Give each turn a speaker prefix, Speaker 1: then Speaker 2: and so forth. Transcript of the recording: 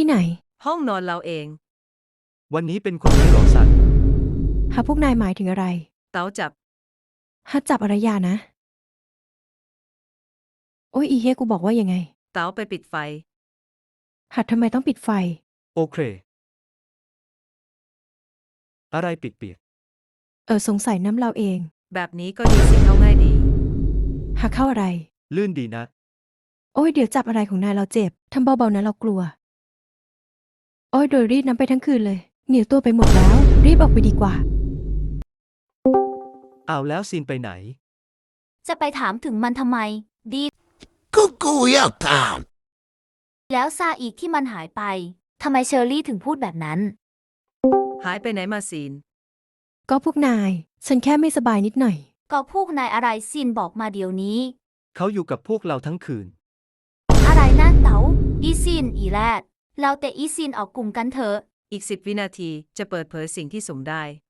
Speaker 1: ที่ไหน
Speaker 2: ห้องนอนเราเอง
Speaker 3: วันนี้เป็นคนนี้หรอซัน
Speaker 1: หาพวกนายหมายถึงอะไร
Speaker 2: เต๋าจับ
Speaker 1: หาจับอะไรยานะโอ้ยอีเฮกูบอกว่ายังไง
Speaker 2: เต๋าไปปิดไฟ
Speaker 1: หัดทำไมต้องปิดไฟ
Speaker 3: โอเคอะไรเปียก
Speaker 1: สงสัยน้ำเราเอง
Speaker 2: แบบนี้ก็ดีสิเข้าง่ายดี
Speaker 1: หาเข้าอะไร
Speaker 3: ๆลื่นดีนะ
Speaker 1: โอ้ยเดี๋ยวจับอะไรของนายเราเจ็บทำเบาๆนะเรากลัวโอ้ยโดยรีดน้ำไปทั้งคืนเลยเหนียวตัวไปหมดแล้ว รีบออกไปดีกว่า
Speaker 3: เอาแล้วซีนไปไหน
Speaker 4: จะไปถามถึงมันทำไม ดี
Speaker 5: กูอยากถาม
Speaker 4: แล้วซาอีกที่มันหายไป ทำไมเชอรี่ถึงพูดแบบนั้น
Speaker 2: หายไปไหนมาซีน
Speaker 1: ก็พวกนาย ฉันแค่ไม่สบายนิดหน่อย
Speaker 4: ก็พวกนายอะไรซินบอกมาเดี๋ยวนี้
Speaker 3: เขาอยู่กับพวกเราทั้งคืน
Speaker 4: อะไรนะเต๋าอีซินอีแรดเราแต่อีซินออกกลุ่มกันเถอะ
Speaker 2: อีก10 วินาทีจะเปิดเผยสิ่งที่สุ่มได้